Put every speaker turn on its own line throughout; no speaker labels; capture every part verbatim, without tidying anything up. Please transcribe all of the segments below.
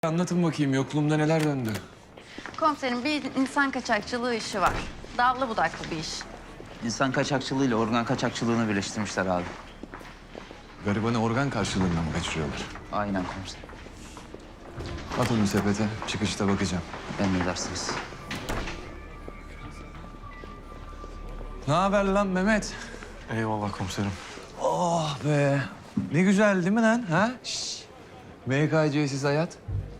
Anlatın bakayım yokluğumda neler döndü?
Komiserim bir insan kaçakçılığı işi var. Dallı budaklı bir iş.
İnsan kaçakçılığıyla organ kaçakçılığını birleştirmişler abi.
Garibanı organ karşılığında mı kaçırıyorlar?
Aynen komiserim.
At onu sepete, çıkışta bakacağım.
Emredersiniz.
Ne haber lan Mehmet?
Eyvallah komiserim.
Oh be. Ne güzel değil mi lan? Ha? Şşş. M K C'siz hayat.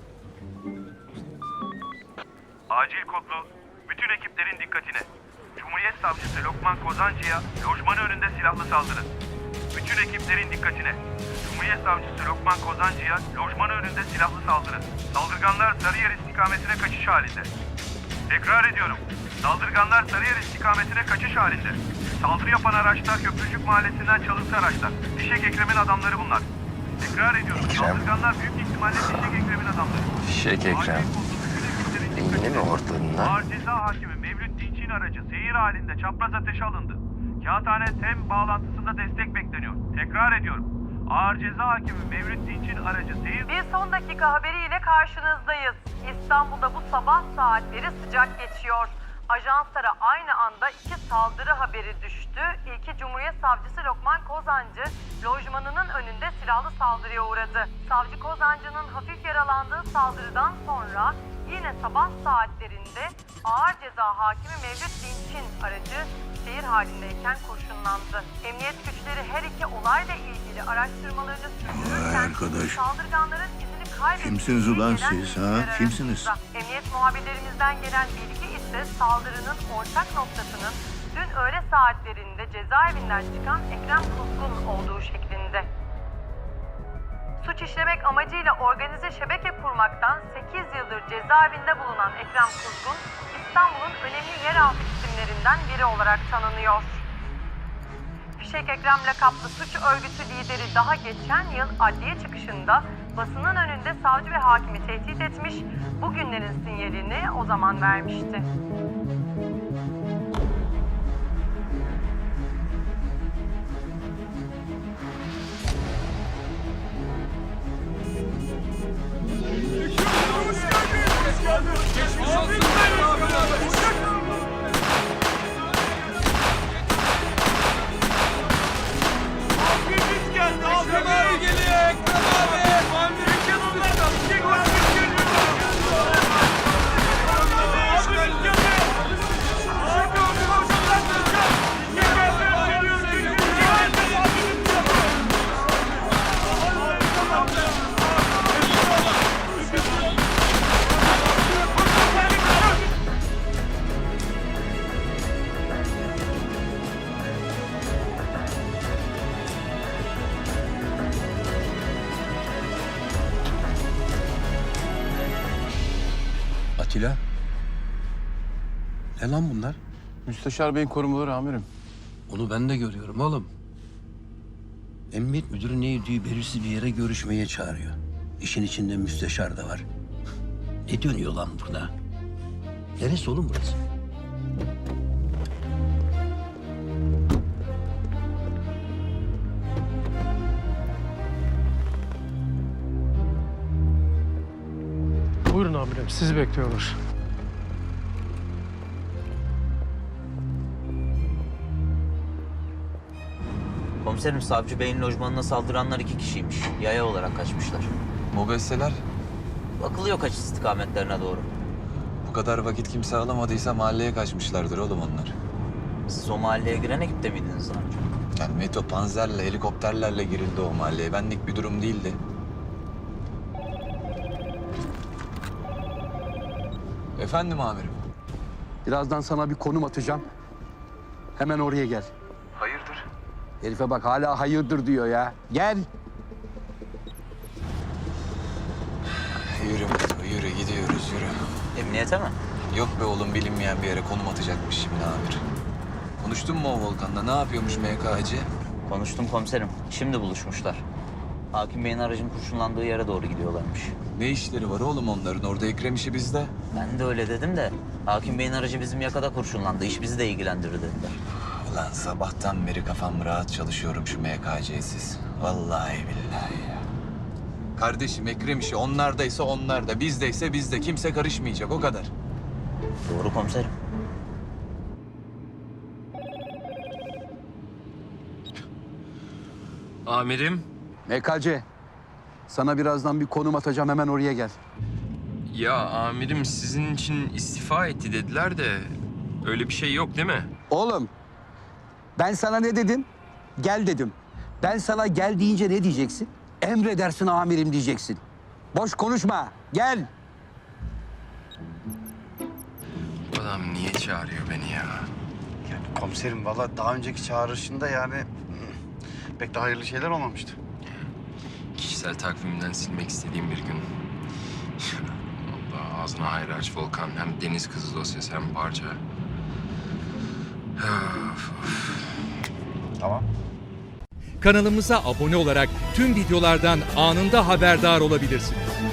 Acil kodlu bütün ekiplerin dikkatine. Cumhuriyet Savcısı Lokman Kozancı'ya lojmanı önünde silahlı saldırı. Bütün ekiplerin dikkatine. Cumhuriyet Savcısı Lokman Kozancı'ya lojmanı önünde silahlı saldırı. Saldırganlar Sarıyer istikametine kaçış halinde. Tekrar ediyorum. Saldırganlar Sarıyer istikametine kaçış halinde. Saldırı yapan araçlar Köprücük Mahallesi'nden çalıntı araçlar. Fişek Ekrem'in adamları bunlar. Tekrar ediyorum. Saldırganlar büyük ihtimalle Fişek Ekrem'in adamları.
Fişek Ekrem. Yine mi ortalığında?
Ağır Ceza Hakimi Mevlüt Dinç'in aracı seyir halinde çapraz ateşe alındı. Kağıthane TEM bağlantısında destek bekleniyor. Tekrar ediyorum. Ağır Ceza Hakimi Mevlüt Dinç'in aracı seyir...
Bir son dakika haberiyle karşınızdayız. İstanbul'da bu sabah saatleri sıcak geçiyor. Ajanslara aynı anda iki saldırı haberi düştü. İlki Cumhuriyet Savcısı Lokman Kozancı, lojmanının önünde silahlı saldırıya uğradı. Savcı Kozancı'nın hafif yaralandığı saldırıdan sonra yine sabah saatlerinde Ağır Ceza Hakimi Mevlüt Dinç'in aracı seyir halindeyken kurşunlandı. Emniyet güçleri her iki olayla ilgili araştırmalarını sürdürürken
arkadaş.
saldırganların izini kaybettiği
Kimsiniz ulan
gelen
siz, ha?
bilgiler
Kimsiniz?
arasında. Emniyet muhabirlerimizden gelen bilgi ise saldırının ortak noktasının dün öğle saatlerinde cezaevinden çıkan Ekrem Kuzgun olduğu şeklinde. Suç işlemek amacıyla organize şebeke kurmaktan sekiz yıldır cezaevinde bulunan Ekrem Kuzgun, İstanbul'un önemli yeraltı isimlerinden biri olarak tanınıyor. Fişek Ekrem lakaplı suç örgütü lideri daha geçen yıl adliye çıkışında basının önünde savcı ve hakimi tehdit etmiş, bugünlerin sinyalini o zaman vermişti.
Atilla. Ne lan bunlar?
Müsteşar Bey'in korumaları amirim.
Onu ben de görüyorum oğlum. Emniyet müdürü Neydi'yi belirsiz bir yere görüşmeye çağırıyor. İşin içinde müsteşar da var. Ne dönüyor lan burada? Neresi oğlum burası?
Buyurun amirim, sizi bekliyorlar.
Komiserim Savcı Bey'in lojmanına saldıranlar iki kişiymiş. Yaya olarak kaçmışlar.
Mobesseler.
Bakılıyor kaç istikametlerine doğru.
Bu kadar vakit kimse alamadıysa mahalleye kaçmışlardır oğlum onlar.
Siz o mahalleye giren ekipte miydiniz daha önce?
Yani Meto panzerle, helikopterlerle girildi o mahalleye. Benlik bir durum değildi. Efendim amirim.
Birazdan sana bir konum atacağım. Hemen oraya gel.
Hayırdır?
Herife bak hala hayırdır diyor ya. Gel.
Yürü Meto, yürü. Gidiyoruz, yürü.
Emniyete mi?
Yok be oğlum, bilinmeyen bir yere konum atacakmış şimdi amir. Konuştun mu o Volkan'la? Ne yapıyormuş M K C?
Konuştum komiserim. Şimdi buluşmuşlar. Hakim Bey'in aracın kurşunlandığı yere doğru gidiyorlarmış.
Ne işleri var oğlum onların? Orada Ekrem işi bizde.
Ben de öyle dedim de Hakim Bey'in aracı bizim yakada kurşunlandı. İş bizi de ilgilendirir dediler.
Ulan sabahtan beri kafam rahat çalışıyorum şu M K C'siz. Vallahi billahi ya. Kardeşim Ekrem işi onlardaysa onlarda, bizdeyse bizde. Kimse karışmayacak, o kadar.
Doğru komiserim.
Amirim.
M K C, sana birazdan bir konum atacağım, hemen oraya gel.
Ya amirim sizin için istifa etti dediler de öyle bir şey yok değil mi?
Oğlum, ben sana ne dedim? Gel dedim. Ben sana gel deyince ne diyeceksin? Emredersin amirim diyeceksin. Boş konuşma, gel.
Adam niye çağırıyor beni ya?
Komiserim valla daha önceki çağrışında yani pek de hayırlı şeyler olmamıştı.
Kişisel takvimden silmek istediğim bir gün. Allah ağzına hayır aç Volkan. Hem deniz kızı dosyası hem parça. Of, of.
Tamam.
Kanalımıza abone olarak tüm videolardan anında haberdar olabilirsiniz.